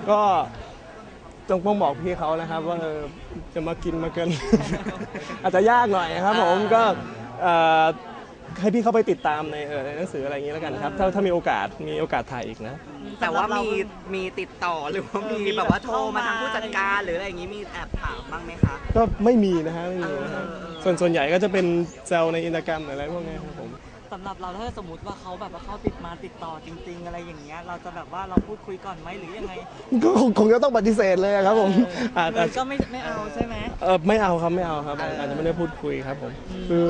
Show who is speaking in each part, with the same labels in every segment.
Speaker 1: ก็ต้องบอกพี่เขานะครับว่าจะมากินมาเกิน อาจจะยากหน่อยครับผมก็ให้พี่เขาไปติดตามในหนังสืออะไรอย่างนี้แล้วกันครับถ้ามีโอกาสถ่ายอีกนะ
Speaker 2: แต่ว่ามีติดต่อหรือว่ามีแบบว่าโทรมาทางผู้จัดการหรืออะไรอย่างนี้มีแอบถามบ้างไหมคะ
Speaker 1: ก็ไม่มีนะฮะไม่มีนะฮะส่วนใหญ่ก็จะเป็นแซวในอินสตาแกรมอะไรพวกนี้ครับผม
Speaker 3: สำหรับเราถ้าสมมติว่าเขาแบบว่าเขาติดต่อจริงๆอะไรอย่างเงี้ยเราจะแบบว่าเราพูดคุยก่อนไหมหรือยังไง
Speaker 1: ก็คงจะต้องปฏิเสธเลยครับผม
Speaker 3: ก็ไม่เอาใช่ไหม
Speaker 1: ไม่เอาครับอาจจะไม่ได้พูดคุยครับผมคือ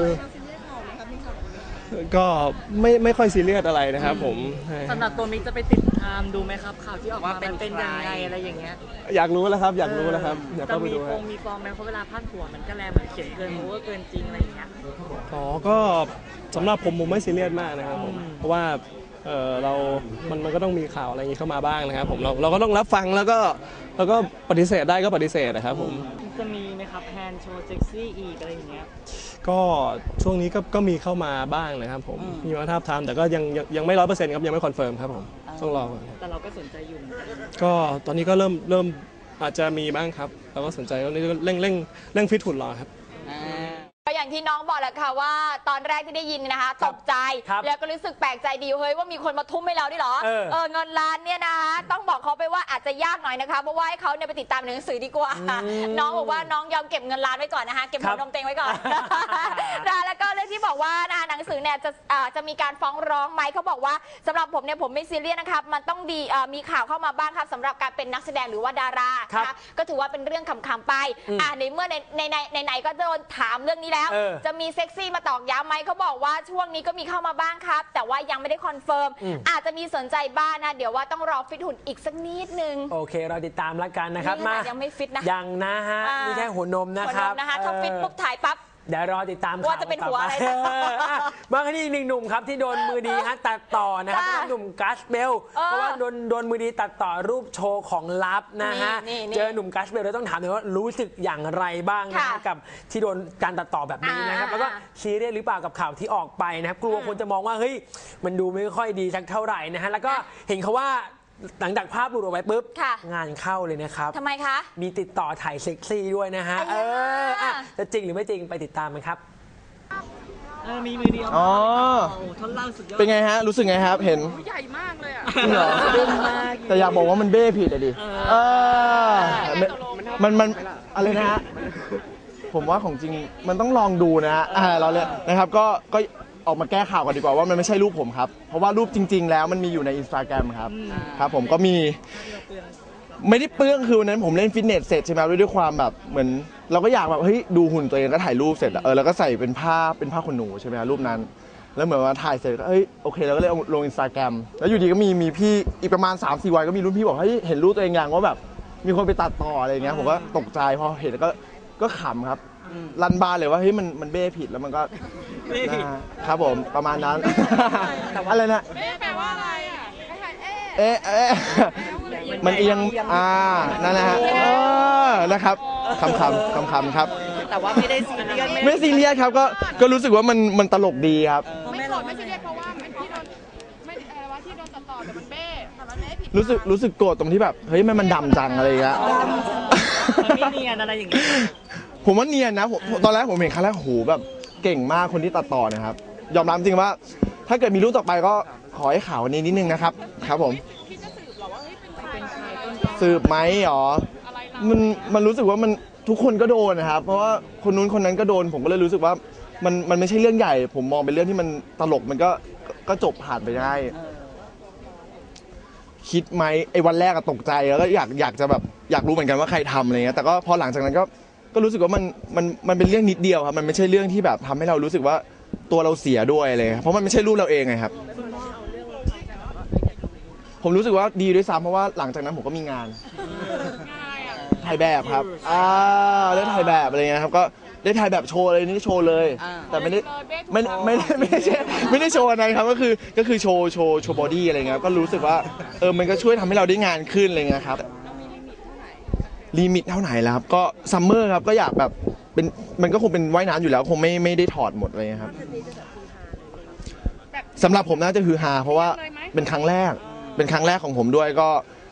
Speaker 1: ก็ไม่ค่อยซีเรียสอะไรนะครับผม
Speaker 3: สำหรับตัวมิกจะไปติดตามดูไหมครับข่าวที่ออกมาเป็นยังไงอะไรอย่างเงี้ย
Speaker 1: อยากรู้แล้วครับอยากเข้าไปดู
Speaker 3: มีฟอร์มไหมเพราะเวลาพาดหัวมันก็แรงเหมือนเขียนเกินโอเวอร์เกินจริงอะไรอย่างเงี้ย
Speaker 1: ก็สำหรับผมไม่ซีเรียสมากนะครับผมเพราะว่ามันก็ต้องมีข่าวอะไรอย่างนี้เข้ามาบ้างนะครับผมเราก็ต้องรับฟังแล้วก็ปฏิเสธได้ก็ปฏิเสธนะครับผม
Speaker 3: จะมีไหมครับแพนโชว์เซ็กซี่อีกอะไรอย่างเงี้ย
Speaker 1: ก็ช่วงนี้ก็มีเข้ามาบ้างนะครับผมมีมาทาบทามแต่ก็ยังไม่100%ครับยังไม่คอนเฟิร์มครับผมต้องรอก่อน
Speaker 3: แต่เราก็สนใจอยู่
Speaker 1: ก็ตอนนี้ก็เริ่มอาจจะมีบ้างครับเราก็สนใจตอนนี้เร่งฟิตหุ่นรอครับ
Speaker 4: ก็อย่างที่น้องบอกแหละค่ะว่าตอนแรกที่ได้ยินนะคะตกใจแล้วก็รู้สึกแปลกใจดีเฮ้ยว่ามีคนมาทุ่มให้เราด้วยเหรอเงินล้านเนี่ยนะคะต้องบอกเขาไปว่าอาจจะยากหน่อยนะคะเพราะว่าให้เขาเนี่ยไปติดตามหนังสือดีกว่าน้องบอกว่าน้องยอมเก็บเงินล้านไว้ก่อนนะคะเก็บหัวนมเต็งไว้ก่อนแล้วก็เรื่องที่บอกว่าหนังสือเนี่ยจะมีการฟ้องร้องไหมเขาบอกว่าสำหรับผมเนี่ยผมไม่ซีเรียสนะครับมันต้องดีมีข่าวเข้ามาบ้างครับสำหรับการเป็นนักแสดงหรือว่าดารานะคะก็ถือว่าเป็นเรื่องขำๆไปในเมื่อในก็โดนถามเรื่องนี้แล้วจะมีเซ็กซี่มาตอกย้ำไหมเขาบอกว่าช่วงนี้ก็มีเข้ามาบ้างครับแต่ว่ายังไม่ได้คอนเฟิร์มอาจจะมีสนใจบ้างนะเดี๋ยวว่าต้องรอฟิตหุ่นอีกสักนิดนึง
Speaker 5: โอเคเราติดตามแล้วกันนะครับ
Speaker 4: มายังไม่ฟิตนะ
Speaker 5: ยังนะฮะนี่แค่หัวนมนะครับ
Speaker 4: ถ้าฟิตปุ๊บถ่ายปั๊บ
Speaker 5: เดี๋ยวรอติดตาม
Speaker 4: ว่าจะเป็นหัวอะไร
Speaker 5: มากันที่อีกหนึ่งหนุ่มครับที่โดนมือดีฮะตัดต่อนะครับเป็นหนุ่มกัสเบลเพราะว่าโดนมือดีตัดต่อรูปโชว์ของลับนะฮะเจอหนุ่มกัสเบลเราต้องถามเลยว่ารู้สึกอย่างไรบ้างนะกับที่โดนการตัดต่อแบบนี้นะครับแล้วก็ซีเรียสหรือเปล่ากับข่าวที่ออกไปนะครับกลัวคนจะมองว่าเฮ้ยมันดูไม่ค่อยดีสักเท่าไหร่นะฮะแล้วก็เห็นเขาว่าหลังจากภาพหลุดออกไปปุ๊บงานเข้าเลยนะครับ
Speaker 4: ทำไมคะ
Speaker 5: มีติดต่อถ่ายเซ็กซี่ด้วยนะฮะจะจริงหรือไม่จริงไปติดตามกันครับ
Speaker 3: มีมือเดียว
Speaker 6: อ๋อ
Speaker 3: ท่อนล่างสุดยอด
Speaker 6: เป็นไงฮะรู้สึกไงครับเห็น
Speaker 3: ใหญ่มากเลยอ่ะ
Speaker 6: เหรอแต่อยากบอกว่ามันเบ้ผิดอะดิมันอะไรนะฮะผมว่าของจริงมันต้องลองดูนะเราเลยนะครับก็ออกมาแก้ข่าวกันดีกว่าว่ามันไม่ใช่รูปผมครับเพราะว่ารูปจริงๆแล้วมันมีอยู่ใน Instagram ครับผมก็มีไม่ได้เปลื้องคือวันนั้นผมเล่นฟิตเนสเสร็จใช่ไหมด้วยความแบบเหมือนเราก็อยากแบบเฮ้ยดูหุ่นตัวเองก็ถ่ายรูปเสร็จแล้วก็ใส่เป็นผ้าขนหนูใช่ไหมรูปนั้นแล้วเหมือนว่าถ่ายเสร็จก็เฮ้ยโอเคเราก็เลยเอาลง Instagram แล้วอยู่ดีก็มีพี่อีกประมาณ 3-4 วันก็มีรุ่นพี่บอกเฮ้ยเห็นรูปตัวเองอย่างว่าแบบมีคนไปตัดต่ออะไรอย่างเงี้ยผมก็ตกใจพอเห็นก็ขำครับรันบาเลยว่าเฮ้ยมันเบ้ผิดแล้วมันก็ครับผมประมาณนั้นอะไรนะ
Speaker 7: เบ้แปลว่าอะไรอ่ะ
Speaker 6: มันเอียงนั่นนะฮะนะครับคำครับ
Speaker 2: แต่ว่าไม่ได้ซีเรียส
Speaker 6: ไม่ซีเรียสครับก็รู้สึกว่ามันตลกดีครับ
Speaker 7: ไม่โกรธไม่ซีเรียสเพราะว่าที่โดนไม่อะไรวะที่โดนตัดต่อแต่มันเบ้ผิด
Speaker 6: รู้สึกโกรธตรงที่แบบเฮ้ยมันดำจังอะไรอย่างเงี้ย
Speaker 3: มันไม่เนียนอะไรอย่างเงี้ย
Speaker 6: ผมว่าเนียนนะตอนแรกผมเห็นครั้งแรกโหแบบเก่งมากคนที่ตัดต่อนะครับยอมรับจริงว่าถ้าเกิดมีรูปต่อไปก็ขอให้ข่าวนี้นิดนึงนะครับครับผม
Speaker 7: คิดจะสืบหรอว่าเฮ้ยเป็นใคร
Speaker 6: สืบไหมอ๋อมันรู้สึกว่ามันทุกคนก็โดนนะครับเพราะว่าคนนู้นคนนั้นก็โดนผมก็เลยรู้สึกว่ามันไม่ใช่เรื่องใหญ่ผมมองเป็นเรื่องที่มันตลกมันก็จบผ่านไปได้คิดไหมไอ้วันแรกตกใจแล้วก็อยากจะแบบอยากรู้เหมือนกันว่าใครทำอะไรเงี้ยแต่ก็พอหลังจากนั้นก็รู้สึกว่ามันเป็นเรื่องนิดเดียวครับมันไม่ใช่เรื่องที่แบบทำให้เรารู้สึกว่าตัวเราเสียด้วยเลยเพราะมันไม่ใช่รูปเราเองไงครับผมรู้สึกว่าดีด้วยซ้ำเพราะว่าหลังจากนั้นผมก็มีงานถ่ายแบบครับได้ถ่ายแบบอะไรเงี้ยครับก็ได้ถ่ายแบบโชว์เลยนี่โชว์เลยแต่ไม่ได้โชว์อะไรครับก็คือโชว์บอดี้อะไรเงี้ยก็รู้สึกว่ามันก็ช่วยทำให้เราได้งานขึ้นอะไรเงี้ยครับลิมิตเท่าไหร่แล้วครับก็ซัมเมอร์ครับก็อยากแบบเป็นมันก็คงเป็นว่ายน้ำอยู่แล้วคงไม่ได้ถอดหมดเลยครับสำหรับผมน่าจะฮือฮาเพราะว่าเป็นครั้งแรกของผมด้วยก็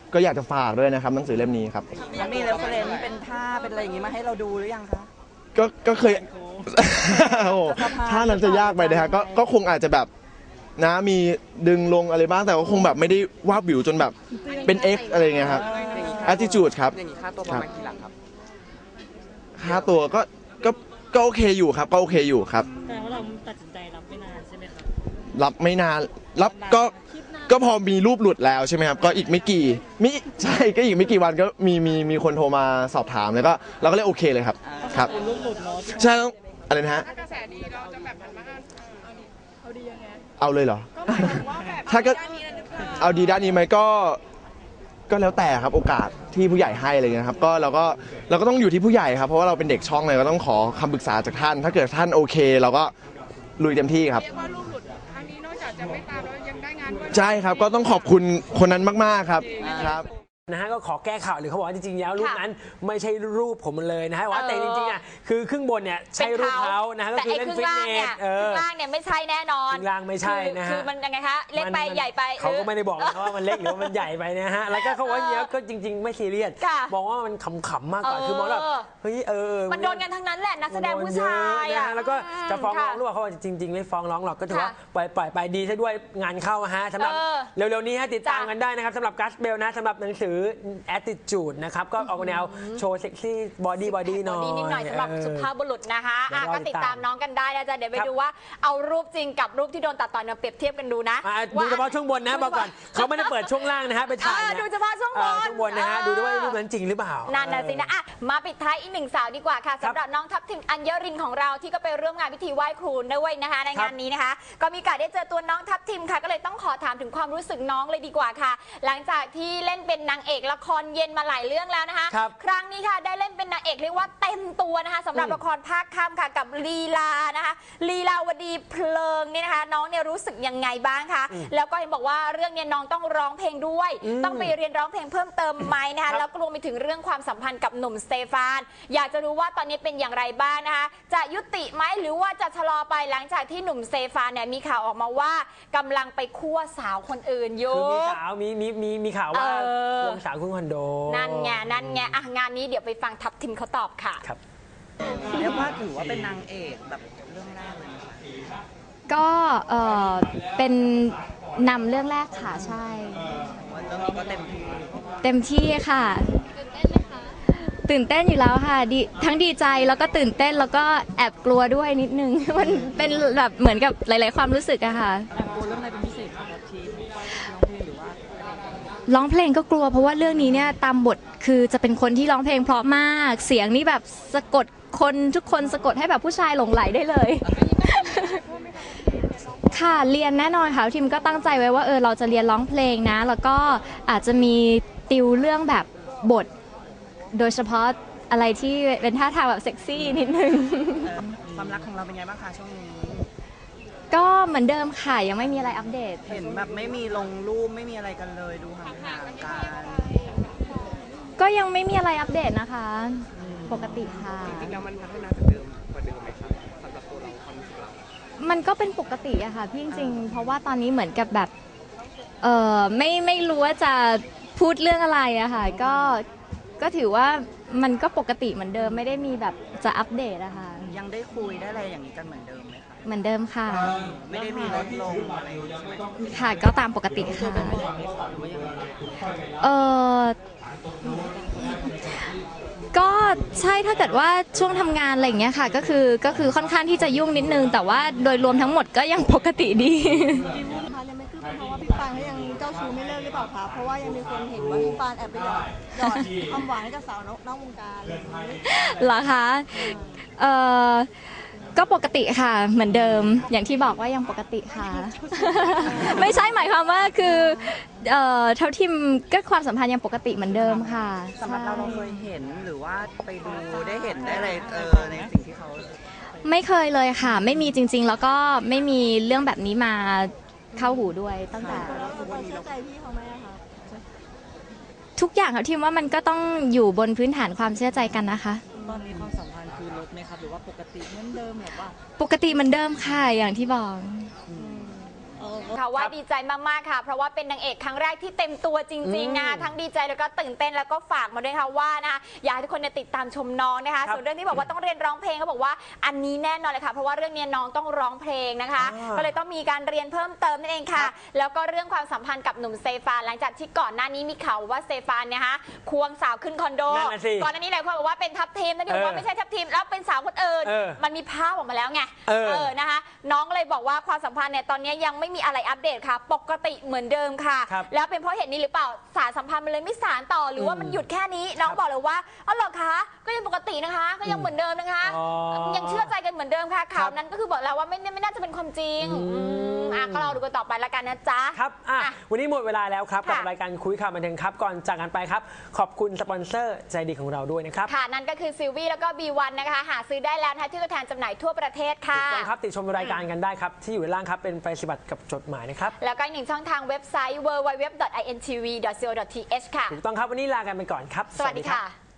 Speaker 6: ก็อยากจะฝากด้วยนะครับหนังสือเล่มนี้ครับ
Speaker 2: แล้วมีเรฟเฟรนซ์เป็นท่าเป็นอะไรอย่างงี้มาให้เราดูหรือยังคะ
Speaker 6: ก็เคย โอ้โหถ้านั้นจะยากไปนะฮะก็คงอาจจะแบบนะมีดึงลงอะไรบ้างแต่ก็คงแบบไม่ได้วาบวิวจนแบบเป็น X อะไรเงี้ยครับ attitude ครับ
Speaker 2: อย่างนี้ค่าตัวประมาณกี่หลักครับ
Speaker 6: ค่าตัวก็โอเคอยู่ครับก็โอเคอยู่ครับ
Speaker 3: แต่ว่าเราตัดสินใจรับไม่นานใช่ไหมครับ
Speaker 6: รับไม่นานรับก็พอมีรูปหลุดแล้วใช่ไหมครับก็อีกไม่กี่ใช่ก็อีกไม่กี่วันก็มีคนโทรมาสอบถามแล้วก็เราก็เลยโอเคเลยครับครับใช่ต้องอะไรนะฮะ
Speaker 7: ถ้ากระแสดีเราจะแบบหันมาเอาดียังไง
Speaker 6: เอาเลยเหรอ
Speaker 7: ก็หมายถึงว่าแบบ
Speaker 6: ถ้าก็
Speaker 7: ด้านนี้หรือเปล่า
Speaker 6: เอาดีด้านนี้ไหมก็แล้วแต่ครับโอกาสที่ผู้ใหญ่ให้อะไรเงี้ยครับก็เราก็ต้องอยู่ที่ผู้ใหญ่ครับเพราะว่าเราเป็นเด็กช่องเลยก็ต้องขอคำปรึกษาจากท่าน ถ้าเกิดท่านโอเค เราก็ลุยเต็มที่ครับ
Speaker 7: เรียกว่าลูกหลุดครั้งนี้นอกจากจะไม่ตามแล้วยังได้งานด้วย
Speaker 6: ใช่ครับก็ต้องขอบคุณคนนั้นมากๆครับครับ
Speaker 5: นะฮะก็ขอแก้ข่าวหรือเขาบอกว่าจริงๆแล้วรูปนั้นไม่ใช่รูปผมเลยนะฮะว่าแต่จริงๆอ่ะคือครึ่งบนเนี่ยใช่รูปเขานะฮะก็คือเล่นฟิตเนส
Speaker 4: ครึ่งล่างเนี่ยไม่ใช่แน่นอน
Speaker 5: ครึ่งล่างไม่ใช่นะฮะ
Speaker 4: คือมันยังไงคะเล็กไปใหญ่ไป
Speaker 5: เขาก็ไม่ได้บอกนะว่ามันเล็กหรือว่ามันใหญ่ไปนะฮะแล้วก็เขาว่าเนี้ยก็จริงๆไม่ซีเรียสมองว่ามันขำๆมากกว่าคือมองแบบเฮ้ย
Speaker 4: มันโดนกันทั้งนั้นแหละนักแสดงผู้ชายอ่ะ
Speaker 5: แล้วก็จะฟ้องร้องหรือเปล่าเขาบอกจริงๆไม่ฟ้องร้องหรอกก็ถือว่าปล่อยไปดีซะด้วยงานเข้าฮะสำหรับเร็วๆนี้ฮะติดตามกันได้นะครับสำหรับกัสเบลนะสำหรับหนังสือ attitude นะครับก็ออกแนวโชว์เซ็กซี่บอดี้หน่อย
Speaker 4: นิดหน่อยสำหรับสุภาพบุรุษนะคะก็ติดตามน้องกันได้นะจ๊ะเดี๋ยวไปดูว่าเอารูปจริงกับรูปที่โดนตัดต่อเนี่ยเปรียบเทียบกันดูนะ
Speaker 5: ดูเฉพาะช่วงบนนะบอกก่อนเขาไม่ได้เปิดช่วงล่างนะฮะไปถ่าย
Speaker 4: ดูเฉพาะช่วงบน
Speaker 5: นะฮะดูด้วยว่ารูปนั้นจริงหรือเปล่า
Speaker 4: นั่นน่ะสินะมาปิดท้ายอีกหนึ่งสาวดีกว่าค่ะสำหรับน้องทัพทิมอัญญรินของเราที่ก็ไปร่วมงานพิธีไหว้ครูด้วยนะคะในงานนี้นะคะก็มีโอกาสได้เจอตัวน้องทัพทิมค่ะก็เลยต้องขอถามถึงความรู้สึกน้องเลยดีกว่าค่ะหลังจากที่เล่นเป็นนางเอกละครเย็นมาหลายเรื่องแล้วนะคะครั้งนี้ค่ะได้เล่นเป็นนางเอกเรียกว่าเต็มตัวนะคะสำหรับละครภาคค่ำค่ะกับลีลานะคะลีลาวดีเพลิงนี่นะคะน้องเนี่ยรู้สึกยังไงบ้างคะแล้วก็เห็นบอกว่าเรื่องนี้น้องต้องร้องเพลงด้วยต้องไปเรียนร้องเพลงเพิ่มเติมไหมนะคะแล้วก็รวมไปถึงเรื่องความสัมพันธ์กับหนุ่มสเตฟานอยากจะรู้ว่าตอนนี้เป็นอย่างไรบ้างนะคะจะยุติไหมหรือว่าจะชะลอไปหลังจากที่หนุ่มสเตฟานเนี่ยมีข่าวออกมาว่ากำลังไปคั่วสาวคนอื่นอยู่
Speaker 5: คือมีสาวมีข่าวว่าลงสาวคุณคอนโด
Speaker 4: นั่นไงงานนี้เดี๋ยวไปฟังทัพทิมเขาตอบค่ะ
Speaker 5: ครับ
Speaker 2: เรียกว่าถือว่าเป็นนางเอกแบบเรื่องแรกเลย
Speaker 8: ก็เป็นนำเรื่องแรกค่ะใช่
Speaker 2: เรื่องนี้ก็เต็
Speaker 8: มที่ค่ะตื่นเต้นอยู่แล้วค่ะทั้งดีใจแล้วก็ตื่นเต้นแล้วก็แอบกลัวด้วยนิดนึงมันเป็นแบบเหมือนกับหลายๆความรู้สึกอะค่ะ
Speaker 3: แอบกลัวเรื่องอะไรเป็นพิเศษครับที
Speaker 8: ร้องเพลงก็กลัวเพราะว่าเรื่องนี้เนี่ยตามบทคือจะเป็นคนที่ร้องเพลงเพราะมากเสียงนี่แบบสะกดคนทุกคนสะกดให้แบบผู้ชายหลงไหลได้เลยค่ะเรียนแน่นอนค่ะทีมก็ตั้งใจไว้ว่าเราจะเรียนร้องเพลงนะแล้วก็อาจจะมีติวเรื่องแบบบทโดยเฉพาะอะไรที่เป็นท่าทางแบบเซ็กซี่นิดนึง
Speaker 2: ความรักของเราเป็นไงบ้างคะช่วงนี้
Speaker 8: ก็เหมือนเดิมค่ะยังไม่มีอะไรอัปเดต
Speaker 2: เห็นแบบไม่มีลงรูปไม่มีอะไรกันเลยดูห่างๆกัน
Speaker 8: ก็ยังไม่มีอะไรอัปเดตนะคะปกติค่ะ
Speaker 2: จริงๆแล้วมันพัฒนาจากเดิมกว่าเดิมไหมครับสำหรับตัวเราความรู้สึกเรา
Speaker 8: มันก็เป็นปกติอะค่ะพี่จริงๆเพราะว่าตอนนี้เหมือนกับแบบไม่รู้ว่าจะพูดเรื่องอะไรอะค่ะก็ถือว่ามันก็ปกติเหมือนเดิมไม่ได้มีแบบจะอัปเดตอะค่ะ
Speaker 2: ยังได้คุยได้อะไรอย่างนี้กันเหมือนเดิมไหมคะ
Speaker 8: เหมือนเดิมค่ะ
Speaker 2: ไม่ได้มีลดลงอะไร
Speaker 8: ค่ะก็ตามปกติค่ะก็ใช่ถ้าเกิดว่าช่วงทำงานอะไรอย่างเงี้ยค่ะก็คือค่อนข้างที่จะยุ่งนิดนึงแต่ว่าโดยรวมทั้งหมดก็ยังปกติดี
Speaker 9: พี่วุ้นคะยังไม่คืบเพราะว่าพี่ปานเขายังเจ้าชู้ไม่เลิกหรือเปล่าคะเพราะว่ายังมีคนเห็นว่าพี่ปานแอบไปหยอดความหวานให้กับสาวนอกวงการ
Speaker 8: เหรอคะก็ปกติค่ะเหมือนเดิมอย่างที่บอกว่ายังปกติค่ะ ไม่ใช่หมายความว่าคือเท่าที่ก็ความสัมพันธ์ยังปกติเหมือนเดิมค่ะ
Speaker 2: สำหรับเราเคยเห็นหรือว่าไปดูได้เห็นได้อะไรในสิ่งที่เขา
Speaker 8: ไม่เคยเลยค่ะไม่มีจริงๆแล้วก็ไม่มีเรื่องแบบนี้มาเข้าหูด้วยตั้งแต่
Speaker 9: เชื่อใจพี่เขาไหมคะ
Speaker 8: ทุกอย่างค่ะทีมว่ามันก็ต้องอยู่บนพื้นฐานความเชื่อใจกันนะคะ
Speaker 3: ตอนนี้ความสัมพันธ์คือลดไหมครับหรือว่าปกติเหมือนเดิมหรือว่า
Speaker 8: ปกติเหมือนเดิมค่ะอย่างที่บอก
Speaker 9: โอเค
Speaker 4: ค่ะว่าดีใจมากๆค่ะเพราะว่าเป็นนางเอกครั้งแรกที่เต็มตัวจริงๆนะคะทั้งดีใจแล้วก็ตื่นเต้นแล้วก็ฝากมาด้วยค่ะว่านะคะอยากให้ทุกคนติดตามชมน้องนะคะส่วนเรื่องที่บอกว่าต้องเรียนร้องเพลงเขาบอกว่าอันนี้แน่นอนเลยค่ะเพราะว่าเรื่องนี้น้องต้องร้องเพลงนะคะก็เลยต้องมีการเรียนเพิ่มเติมนั่นเองค่ะแล้วก็เรื่องความสัมพันธ์กับหนุ่มเซฟานหลังจากที่ก่อนหน้านี้มีข่าวว่าเซฟานเนี่ยคะควงสาวขึ้นคอนโดก่อนหน้านี้หลายคนบอกว่าเป็นทัพทีมนั่นเองว่าไม่ใช่ทัพทีมแล้วเป็นสาวคนอื่นมันมีภาพออกมาแล้วไงนะคะน้องเลยบอกว่าความสัมพันธ์เนี่ยตอนนี้ยังไม่มีอะไรอัปเดตค่ะปกติเหมือนเดิมค่ะแล้วเป็นเพราะเหตุนี้หรือเปล่าสารสัมพันธ์มันเลยไม่สานต่อหรือว่ามันหยุดแค่นี้น้องบอกเลยว่าอ๋อเหรอคะก็ยังปกตินะคะก็ยังเหมือนเดิมนะคะยังเชื่อใจกันเหมือนเดิมค่ะข่าวนั้นก็คือบอกแล้วว่าไม่น่าจะเป็นความจริงก็เราดูกันต่อไปละกันนะจ๊ะ
Speaker 5: ครับวันนี้หมดเวลาแล้วครับกับรายการคุยข่าวบันเทิงครับก่อนจากกันไปครับขอบคุณสปอนเซอร์ใจดีของเราด้วยนะครับ
Speaker 4: ค่ะนั่นก็คือซิลวี่แล้วก็ B1 นะคะหาซื้อได้แล้วที่ตัวแทนจำหน่ายทั่วประเทศค่ะ
Speaker 5: ถูกต้องครับติดชมรายการกันได้ครับที่อยู่ด้านล่างครับเป็นไปฏิบัติกับจดหมายนะครับ
Speaker 4: แล้วก็อีกหนึ่งช่องทางเว็บไซต์ www.intv.co.th ค่ะ
Speaker 5: ถูกต้องครับวันนี้ลากันไปก่อนครับ
Speaker 4: สวัสดีค่ะ